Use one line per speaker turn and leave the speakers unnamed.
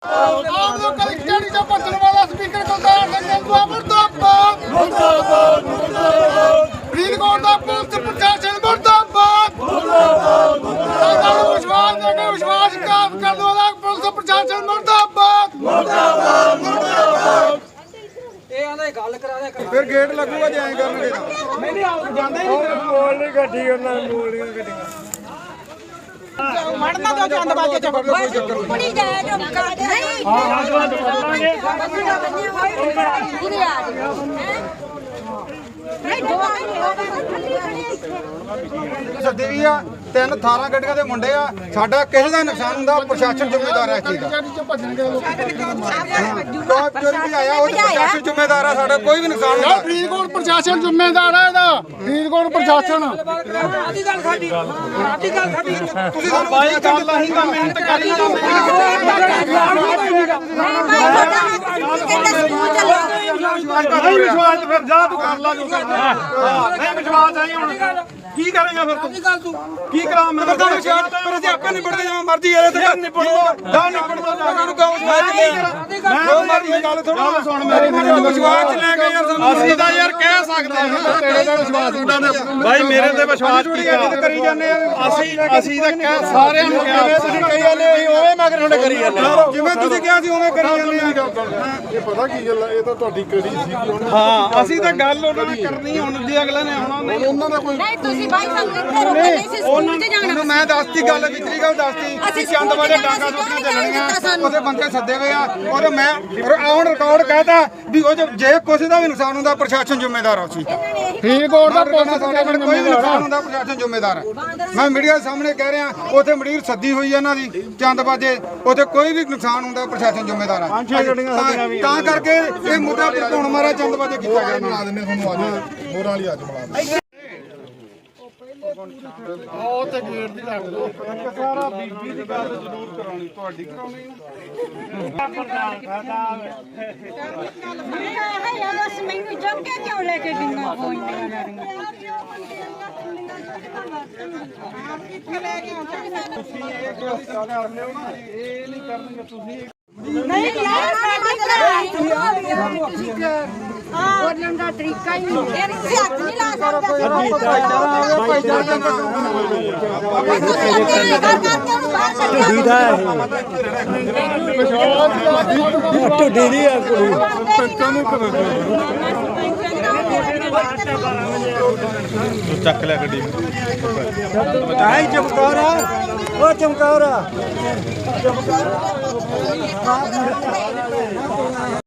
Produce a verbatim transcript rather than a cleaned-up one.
ਆਪ ਲੋਕ ਕਲੈਕਟਰ ਜੋ ਭੱਜਣ ਵਾਲਾ ਸਪੀਕਰ ਕੁਲਤਾਰ ਸਿੰਘ ਸੰਧਵਾ ਮੁਰਦਾਬਾਦ ਮੁਰਦਾਬਾਦ ਮੁਰਦਾਬਾਦ ਫਰੀਦਕੋਟ ਦਾ ਪੁਲਿਸ ਪ੍ਰਸ਼ਾਸਨ ਮੁਰਦਾਬਾਦ ਮੁਰਦਾਬਾਦ ਮੁਰਦਾਬਾਦ ਵਿਸ਼ਵਾਸ ਦੇ ਕੇ ਵਿਸ਼ਵਾਸਘਾਤ ਕਰਨ ਵਾਲਾ ਪੁਲਿਸ ਪ੍ਰਸ਼ਾਸਨ ਮੁਰਦਾਬਾਦ ਮੁਰਦਾਬਾਦ ਮੁਰਦਾਬਾਦ
ਇਹ ਆਂਦਾ ਗੱਲ ਕਰਾ ਦੇ
ਫਿਰ ਗੇਟ ਲੱਗੂਗਾ ਜੇ ਐਂ ਕਰਨਗੇ ਤਾਂ
ਨਹੀਂ ਨਹੀਂ ਆਉ ਜਾਂਦੇ ਨਹੀਂ
ਮੋਲ ਨਹੀਂ ਗੱਡੀ ਉਹਨਾਂ ਨੂੰ ਮੋਲ ਨਹੀਂ ਗੱਡੀ
ਮੜਨਾ ਦੋ ਚੰਦ ਬਾਜੇ ਚ
ਕੋਈ ਚੱਕਰ ਨਹੀਂ
ਕੁੜੀ ਜਾਇਆ ਜੋ ਨਹੀਂ ਹਾਂ ਹਾਂ ਜਵਾਨ ਬੋਲਾਂਗੇ ਕੁੜੀ ਆ ਨਹੀਂ ਦੋ
ਸੱਦੇ ਵੀ ਆ ਤਿੰਨ ਅਠਾਰਾਂ ਗੱਡੀਆਂ ਦੇ ਮੁੰਡੇ ਆ ਸਾਡਾ ਕਿਸੇ ਦਾ ਨੁਕਸਾਨ ਹੁੰਦਾ ਪ੍ਰਸ਼ਾਸਨ ਜ਼ਿੰਮੇਦਾਰ ਹੈ ਇਸ ਚੀਜ਼ ਦਾ ਟੌਪ ਚੋਰੀ ਵੀ ਆਇਆ ਉਹ ਪ੍ਰਸ਼ਾਸਨ ਜ਼ਿੰਮੇਦਾਰ ਆ ਸਾਡਾ ਕੋਈ ਵੀ ਨੁਕਸਾਨ ਨਹੀਂ ਹੁੰਦਾ ਫਰੀਦਕੋਟ ਪ੍ਰਸ਼ਾਸਨ ਜ਼ਿੰਮੇਦਾਰ ਹੈ ਇਹਦਾ ਫਰੀਦਕੋਟ ਪ੍ਰਸ਼ਾਸਨ
ਆਦੀ ਗੱਲ ਸਾਡੀ ਆਦੀ ਗੱਲ ਸਾਡੀ
ਤੁਸੀਂ ਸਾਨੂੰ ਬਾਈ ਗੱਲ ਆਹੀ ਤਾਂ ਮਿਹਨਤ ਕਰਨੀ
ਨਹੀਂ
ਵਿਸ਼ਵਾਸ ਫਿਰ ਜਾ ਤੂੰ ਕਰ ਲਾ ਜੋ ਕਰਨਾ ਨਹੀਂ ਵਿਸ਼ਵਾਸ ਆਈ ਹੁਣ ਕੀ ਕਰੇਗਾ ਫਿਰ ਤੂੰ
ਗੱਲ ਤੂੰ
ਕੀ ਕਰਾਂ ਮੈਂ ਤਾਂ ਵਿਸ਼ਵਾਸ ਪਰ ਅਸੀਂ ਆਪੇ ਨਿਬੜਦੇ ਜਾਵਾਂ ਮਰਜ਼ੀ ਇਹਦੇ ਤੇ ਨਿਬੜਦਾ ਜਾ ਨਿਬੜਦਾ ਜਾ ਉਹਨੂੰ ਕਹੋ ਮੈਂ ਉਹ ਮਰਜ਼ੀ ਗੱਲ ਥੋੜਾ ਸੁਣ ਮੇਰੀ ਮੈਨੂੰ ਵਿਸ਼ਵਾਸ ਚ ਲੈ ਕੇ ਯਾਰ ਅਸੀਂ ਤਾਂ ਯਾਰ ਕਹਿ ਸਕਦੇ ਹਾਂ ਤੇਰੇ ਤੇ ਵਿਸ਼ਵਾਸ ਉਹਨਾਂ ਨੇ
ਭਾਈ ਮੇਰੇ ਤੇ ਵਿਸ਼ਵਾਸ
ਕੀਤਾ ਕਰੀ ਜਾਂਦੇ ਆ
ਅਸੀਂ ਅਸੀਂ ਤਾਂ ਕਹਿ ਸਾਰਿਆਂ ਨੂੰ ਕਿਹਾ
ਤੁਸੀਂ ਕਹੀ ਜਾਂਦੇ ਅਸੀਂ ਉਵੇਂ ਮਗਰ ਤੁਹਾਡੇ ਕਰੀ ਜਾਂਦੇ
ਜਿਵੇਂ ਤੁਸੀਂ ਕਿਹਾ ਸੀ ਉਵੇਂ ਕਰੀ ਜਾਂਦੇ ਆ
ਇਹ ਪਤਾ ਕੀ ਗੱਲ ਹੈ ਇਹ ਤਾਂ ਤੁਹਾਡੀ ਕੜੀ ਸੀ
ਹਾਂ ਅਸੀਂ ਤਾਂ ਗੱਲ ਉਹਨਾਂ ਨਾਲ ਕਰਨੀ ਹੁਣ ਜੇ ਅਗਲੇ ਨੇ ਆਉਣਾ ਨਹੀਂ
ਉਹਨਾਂ ਦਾ ਕੋਈ
ਨਹੀਂ ਤੁਸੀਂ ਬਾਈ ਸਾਨੂੰ ਇੱਥੇ ਰੋਕੋ ਨਹੀਂ ਸੀ ਸਕੂਲ ਤੇ ਜਾਣਾ
ਉਹਨੂੰ ਮੈਂ ਦੱਸਤੀ ਗੱਲ ਵਿਚਰੀ ਗੱਲ ਦੱਸਤੀ ਅਸੀਂ ਚੰਦ ਵਾਲੇ ਡਾਂਗਾ ਸੁੱਟੀਆਂ ਚੱਲਣੀਆਂ ਉਹਦੇ ਬੰਦੇ ਸੱਦੇ ਹੋਏ ਆ ਔਰ ਮੈਂ ਹੁਣ ਰਿਕਾਰਡ ਕਹਿਤਾ ਵੀ ਉਹ ਜੇ ਕਿਸੇ ਦਾ ਵੀ ਨੁਕਸਾਨ ਹੁੰਦਾ ਪ੍ਰਸ਼ਾਸਨ ਜ਼ਿੰਮੇਦਾਰ ਆ ਉਸੀ
ਫਰੀਦਕੋਟ ਦਾ ਪੁਲਿਸ
ਸਾਡੇ ਕੋਲ ਕੋਈ ਵੀ ਨੁਕਸਾਨ ਹੁੰਦਾ ਪ੍ਰਸ਼ਾਸਨ ਜ਼ਿੰਮੇਦਾਰ ਹੈ ਮੈਂ ਮੀਡੀਆ ਦੇ ਸਾਹਮਣੇ ਕਹਿ ਰਿਹਾ ਉੱਥੇ ਮੰਡੀਰ ਸੱਦੀ ਹੋਈ ਹੈ ਇਹਨਾਂ ਦੀ ਚੰਦਬਾਜੇ ਉੱਥੇ ਕੋਈ ਵੀ ਨੁਕਸਾਨ ਹੁੰਦਾ ਪ੍ਰਸ਼ਾਸਨ ਜ਼ਿੰਮੇਦਾਰ ਹੈ ਤਾਂ ਕਰਕੇ ਇਹ ਮੁੱਦਾ ਭੜਕਾਉਣ ਮਾਰਾ ਚੰਦਬਾਜੇ ਕੀਤਾ ਗਿਆ
ਬਣਾ ਦਿੰਦੇ ਤੁਹਾਨੂੰ ਅੱਜ ਮੋਰਾਂ ਵਾਲੀ ਅੱਜ ਬਣਾ ਦਿੰਦੇ ਉਹ ਤੇ ਗੇਟ ਦੀ ਲੱਗ ਦੋ
ਸਾਰਾ ਬੀਬੀ ਦੀ ਗੱਲ ਜ਼ਰੂਰ ਕਰਾਉਣੀ ਤੁਹਾਡੀ ਕਰਾਉਣੀ
ਹੈ ਯਾਰ ਬਸ ਮੈਨੂੰ ਜਮ ਕੇ ਕਿਉਂ ਲੈ ਕੇ ਦਿੰਦਾ ਫੋਨ
ਤੁਸੀਂ ਇਹ ਗੱਲ ਕਰ ਲਿਓ ਨਾ ਇਹ ਨਹੀਂ ਕਰਨਗੇ ਤੁਸੀਂ
ਨਹੀਂ ਯਾਰ ਹਾਂ ਬੋਲਣ ਦਾ ਤਰੀਕਾ ਹੀ ਨਹੀਂ ਇਹ ਹੱਥ ਨਹੀਂ ਲਾ ਸਕਦਾ
ਢੁੱਡੀ ਦੀ ਆ ਕੁੜੀ ਪੰਚਾਂ ਨੂੰ ਕਰ
ਚੱਕ ਲੈ ਗੱਡੀ
ਆਈ ਚਮਕੌਰਾ ਉਹ ਚਮਕੌਰਾ